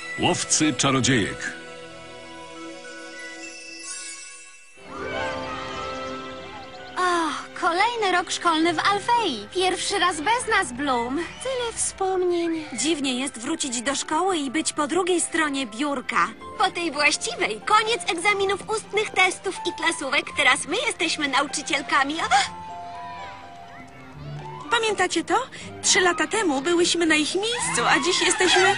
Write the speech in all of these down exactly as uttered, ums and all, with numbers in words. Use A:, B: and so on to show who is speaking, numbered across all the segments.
A: Łowcy czarodziejek.
B: O, kolejny rok szkolny w Alfei. Pierwszy raz bez nas, Bloom.
C: Tyle wspomnień.
B: Dziwnie jest wrócić do szkoły i być po drugiej stronie biurka.
C: Po tej właściwej. Koniec egzaminów ustnych, testów i klasówek. Teraz my jesteśmy nauczycielkami. A!
D: Pamiętacie to? Trzy lata temu byłyśmy na ich miejscu, a dziś jesteśmy...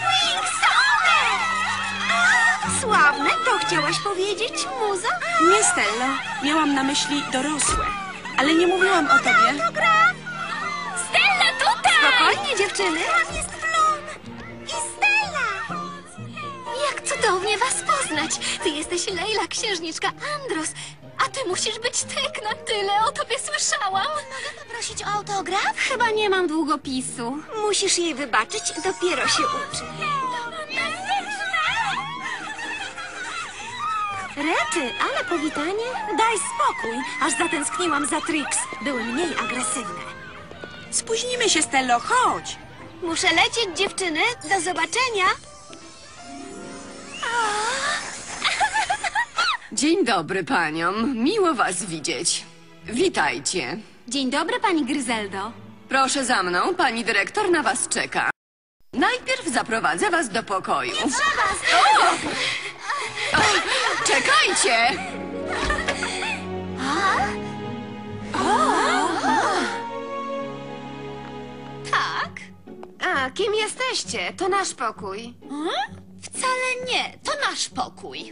C: Sławne, to chciałaś powiedzieć, muzo?
D: Nie, Stello. Miałam na myśli dorosłe. Ale nie mówiłam o tobie.
C: Stella tutaj!
B: Spokojnie, dziewczyny.
C: Tam jest Bloom i Stella!
B: Jak cudownie was poznać. Ty jesteś Leila, księżniczka Andros. A ty musisz być Tekna. Tyle o tobie słyszałam.
C: Mogę poprosić o autograf?
B: Chyba nie mam długopisu.
C: Musisz jej wybaczyć, dopiero się uczy.
B: Rety, ale powitanie? Daj spokój, aż zatęskniłam za Trix. Były mniej agresywne.
D: Spóźnimy się, Stello, chodź.
C: Muszę lecieć, dziewczyny. Do zobaczenia.
E: Dzień dobry paniom, miło was widzieć. Witajcie.
B: Dzień dobry, pani Gryzeldo.
E: Proszę za mną, pani dyrektor na was czeka. Najpierw zaprowadzę was do pokoju. O! O, czekajcie!
B: Tak? A, kim jesteście? To nasz pokój.
C: Wcale nie, to nasz pokój.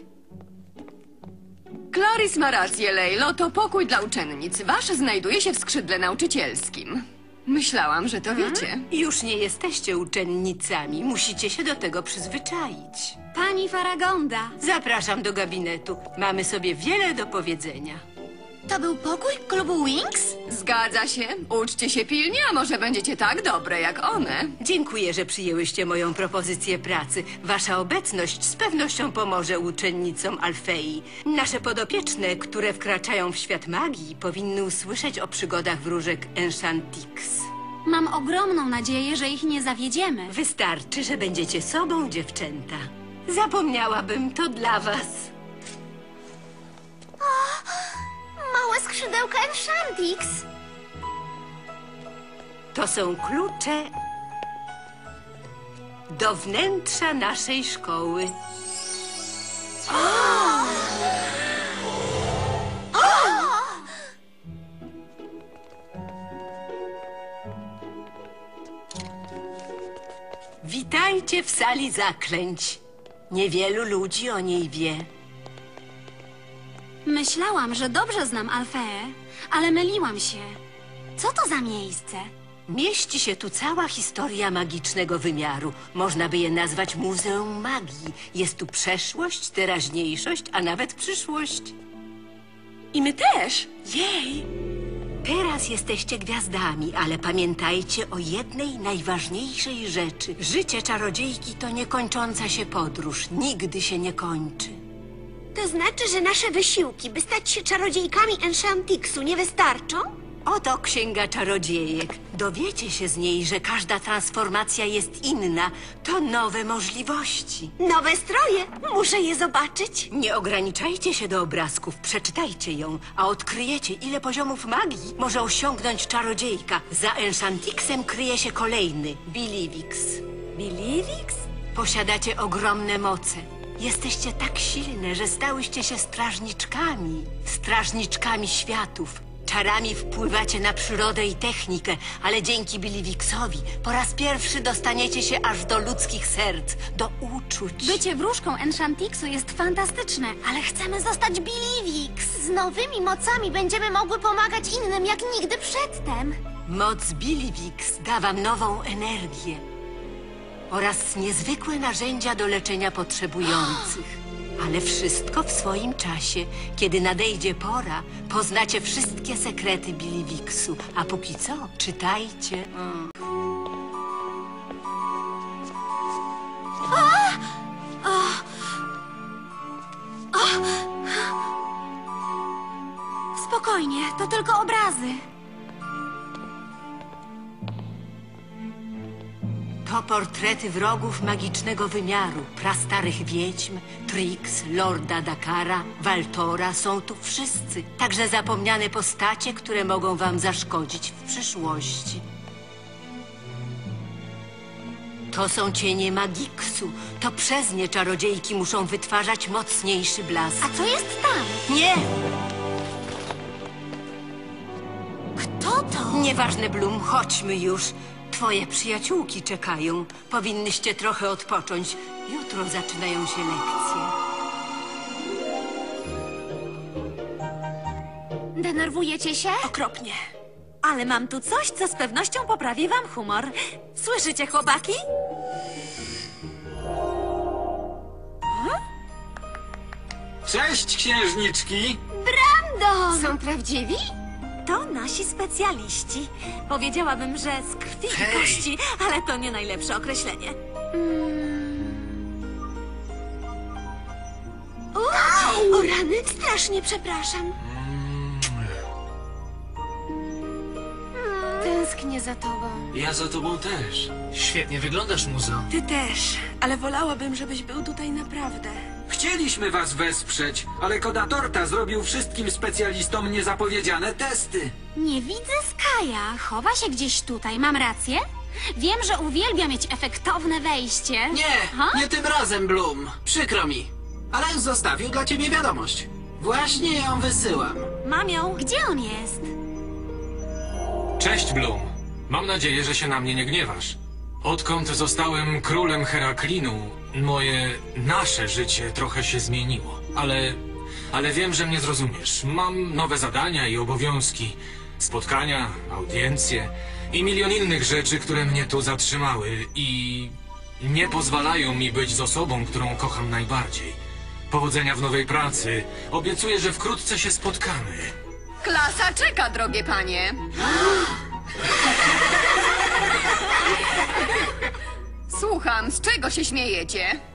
E: Clarice ma rację, Lejlo, to pokój dla uczennic. Wasz znajduje się w skrzydle nauczycielskim. Myślałam, że to wiecie.
F: Już nie jesteście uczennicami. Musicie się do tego przyzwyczaić.
B: Pani Faragonda.
F: Zapraszam do gabinetu. Mamy sobie wiele do powiedzenia.
C: To był pokój klubu Wings?
E: Zgadza się. Uczcie się pilnie, a może będziecie tak dobre jak one.
F: Dziękuję, że przyjęłyście moją propozycję pracy. Wasza obecność z pewnością pomoże uczennicom Alfei. Nasze podopieczne, które wkraczają w świat magii, powinny usłyszeć o przygodach wróżek Enchantix.
B: Mam ogromną nadzieję, że ich nie zawiedziemy.
F: Wystarczy, że będziecie sobą, dziewczęta. Zapomniałabym, to dla was.
C: Małe skrzydełka Enchantix.
F: To są klucze do wnętrza naszej szkoły. Witajcie w sali zaklęć. Niewielu ludzi o niej wie.
B: Myślałam, że dobrze znam Alfeę, ale myliłam się. Co to za miejsce?
F: Mieści się tu cała historia magicznego wymiaru. Można by je nazwać Muzeum Magii. Jest tu przeszłość, teraźniejszość, a nawet przyszłość.
D: I my też. Jej.
F: Teraz jesteście gwiazdami, ale pamiętajcie o jednej najważniejszej rzeczy. Życie czarodziejki to niekończąca się podróż. Nigdy się nie kończy.
C: To znaczy, że nasze wysiłki, by stać się czarodziejkami Enchantixu, nie wystarczą?
F: Oto Księga Czarodziejek. Dowiecie się z niej, że każda transformacja jest inna. To nowe możliwości.
C: Nowe stroje. Muszę je zobaczyć.
F: Nie ograniczajcie się do obrazków, przeczytajcie ją, a odkryjecie, ile poziomów magii może osiągnąć czarodziejka. Za Enchantixem kryje się kolejny, Bilivix.
B: Bilivix?
F: Posiadacie ogromne moce. Jesteście tak silne, że stałyście się strażniczkami. Strażniczkami światów. Czarami wpływacie na przyrodę i technikę, ale dzięki Bilivixowi po raz pierwszy dostaniecie się aż do ludzkich serc, do uczuć.
B: Bycie wróżką Enchantixu jest fantastyczne, ale chcemy zostać Bilivix.
C: Z nowymi mocami będziemy mogły pomagać innym jak nigdy przedtem.
F: Moc Bilivix da wam nową energię oraz niezwykłe narzędzia do leczenia potrzebujących. Ale wszystko w swoim czasie. Kiedy nadejdzie pora, poznacie wszystkie sekrety Bilivixu. A póki co, czytajcie. Mm.
B: Spokojnie, to tylko obrazy.
F: To portrety wrogów magicznego wymiaru, prastarych wiedźm, Trix, Lorda Dakara, Waltora, są tu wszyscy. Także zapomniane postacie, które mogą wam zaszkodzić w przyszłości. To są cienie Magiksu. To przez nie czarodziejki muszą wytwarzać mocniejszy blask.
B: A co jest tam?
F: Nie!
B: Kto to?
F: Nieważne, Bloom, chodźmy już. Twoje przyjaciółki czekają. Powinnyście trochę odpocząć. Jutro zaczynają się lekcje.
B: Denerwujecie się?
C: Okropnie. Ale mam tu coś, co z pewnością poprawi wam humor. Słyszycie, chłopaki?
G: Cześć, księżniczki!
B: Brandon! Są prawdziwi?
C: To nasi specjaliści. Powiedziałabym, że z krwi i
G: Hej!
C: kości, ale to nie najlepsze określenie.
B: O rany, strasznie przepraszam. Tęsknię za tobą.
G: Ja za tobą też. Świetnie wyglądasz, muzo.
D: Ty też, ale wolałabym, żebyś był tutaj naprawdę.
G: Chcieliśmy was wesprzeć, ale Koda Torta zrobił wszystkim specjalistom niezapowiedziane testy.
B: Nie widzę Skaja. Chowa się gdzieś tutaj, mam rację? Wiem, że uwielbia mieć efektowne wejście.
H: Nie,
B: Ha?
H: nie tym razem, Bloom. Przykro mi. Ale zostawił dla ciebie wiadomość. Właśnie ją wysyłam.
C: Mam ją.
B: Gdzie on jest?
A: Cześć, Bloom. Mam nadzieję, że się na mnie nie gniewasz. Odkąd zostałem królem Heraklinu, moje, nasze życie trochę się zmieniło. Ale, ale wiem, że mnie zrozumiesz. Mam nowe zadania i obowiązki. Spotkania, audiencje i milion innych rzeczy, które mnie tu zatrzymały i nie pozwalają mi być z osobą, którą kocham najbardziej. Powodzenia w nowej pracy. Obiecuję, że wkrótce się spotkamy.
E: Klasa czeka, drogie panie. Słucham, z czego się śmiejecie?